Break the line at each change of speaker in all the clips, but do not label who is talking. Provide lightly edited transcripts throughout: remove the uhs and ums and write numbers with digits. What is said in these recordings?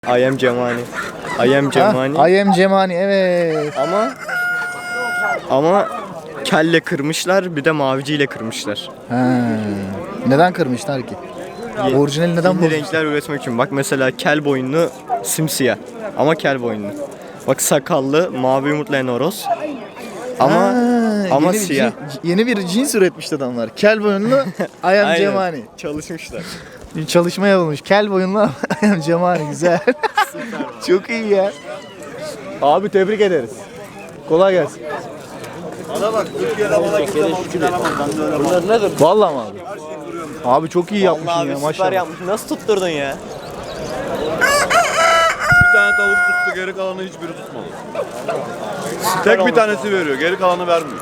I am Cemani. I am Cemani.
I am Cemani, evet.
Ama kelle kırmışlar, bir de maviciyle kırmışlar.
Neden kırmışlar ki? Orijinali neden
Yeni
bozmuşlar?
renkler üretmek için. Bak mesela kel boyunlu simsiyah ama kel boyunlu. Bak sakallı mavi yumurtlayan horoz. Ama
Yeni bir
siyah.
yeni bir cins üretmiş adamlar. Kel boyunlu I am
Aynen.
Cemani.
Çalışmışlar.
Bir çalışma yapılmış. Kel boyunlu I am Cemani, güzel. Çok iyi ya. Abi tebrik ederiz. Kolay gelsin.
Bana bak, Türkiye'de bana kimse mal alamaz. Ben de öyle mal.
Vallahi mi abi? Abi çok iyi yapmışsın ya,
Süper
maşallah.
yapmış. Nasıl tutturdun ya?
Bir tane tavuk tuttu, geri kalanı hiçbiri tutmadı. Tek bir tanesi veriyor, geri kalanı vermiyor.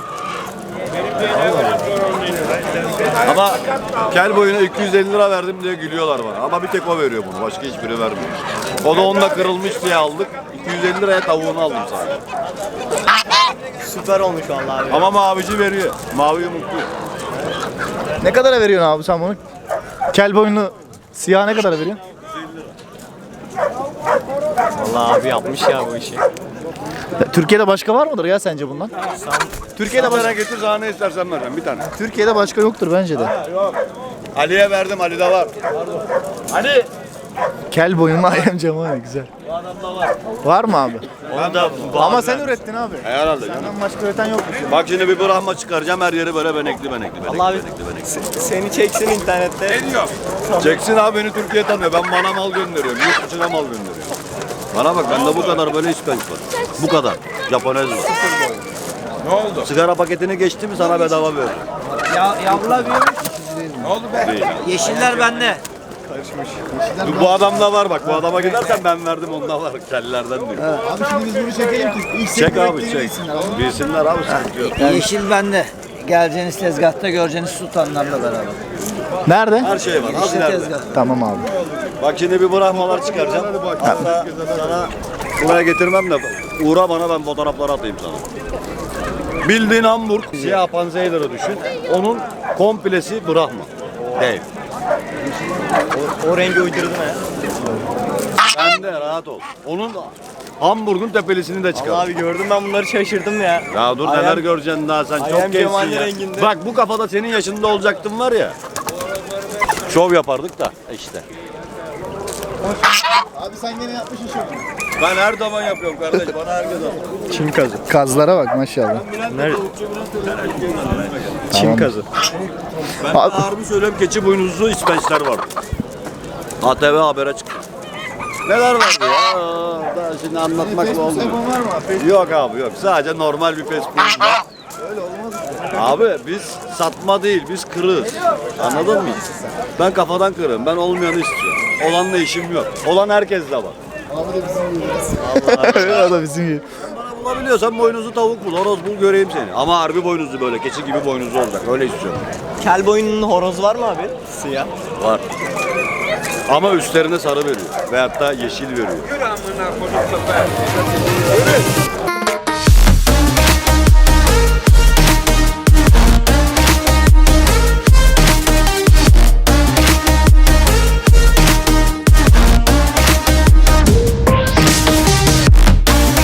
Ama kel boyuna 250 lira verdim diye gülüyorlar bana. Ama bir tek o veriyor bunu, başka hiçbiri vermiyor. O da onunla kırılmış diye aldık. 250 liraya tavuğunu aldım sadece.
Süper olmuş vallahi abi.
Ama mavici veriyor, mavi yumurtlu.
Ne kadara veriyorsun abi sen bunu? Kel boyunlu siyah ne kadara veriyorsun?
Vallahi abi yapmış ya bu işi.
Türkiye'de başka var mıdır ya sence bundan?
Türkiye'de bana getir, sana ne istersen vereceğim bir tane.
Türkiye'de başka yoktur bence de.
Ali'ye verdim, Ali'de var. Ali!
Kel boyunlu I am Cemani, güzel.
Bu adamda var.
Var mı abi?
Onu da
Ama sen ürettin abi.
herhalde canım.
Senden başka üreten yokmuş.
Bak şimdi bir Brahma çıkaracağım, her yeri böyle benekli.
Allah abi seni çeksin internette.
Ne diyor? Çeksin abi, beni Türkiye tanıyor. Ben bana mal gönderiyorum, yurt dışına mal gönderiyorum. Bana bak, bende bu kadar böyle ispenç var. Bu kadar. Japonez var. Ne oldu? Sigara paketini geçti mi sana bedava veririm.
Yavrular büyümüş.
Değil.
Yeşiller bende.
Bu adamda var bak, bu adama gidersen ben verdim, onda var. Kellerden diyor.
Abi şimdi biz bunu çekelim ki ilk
Çek abi, çek. Bilsinler abi, sıkıntı yok.
Yeşil bende. Geleceğiniz tezgahta göreceğiniz sultanlarla beraber.
Nerede?
Her şey var.
Yeşil
Hazır
tezgah.
Tamam abi.
Bak şimdi bir Brahmalar çıkaracağım. Hatta sana buraya getirmem de uğra bana, ben fotoğrafları atayım sana. Bildiğin Hamburg, siyah panzehirleri düşün. Onun komplesi Brahma. Değil.
O rengi uydurdun ha.
Sen de rahat ol. Onun Hamburg'un tepelisini de
Allah
çıkar.
abi gördüm ben bunları şaşırdım ya.
Ya dur, neler göreceksin daha, sen çok gençsin
Cemali
ya.
renginde.
Bak bu kafada senin yaşında olacaktım var ya. Şov yapardık da işte.
Abi sen gene yapmışsın şunu.
Ben her zaman yapıyorum kardeş, bana herkes al.
Çin kazı.
Kazlara bak maşallah.
Nerede? Çin kazı.
Ben
Abi-
harbi söylüyorum, keçi boynuzlu ispençler vardı. ATV habere çıktı. Neler vardı ya? Daha şimdi anlatmakla olmuyor.
var mı?
Yok abi yok. Sadece normal bir Facebook'um var.
Öyle olmaz.
Abi biz satma değil, biz kırığız. Anladın mı? Ben kafadan kırığım. Ben olmayanı istiyorum. Olanla işim yok. Olan herkes de var.
Abi de bizim gibi. O da bizim gibi.
Bana bulabiliyorsan boynuzlu tavuk bul, horoz bul, göreyim seni. Ama harbi boynuzlu, böyle keçi gibi boynuzlu olacak. Öyle istiyorum.
Kel boyunun horozu var mı abi? Siyah.
Var. Ama üstlerine sarı veriyor. Veyahut da yeşil veriyor.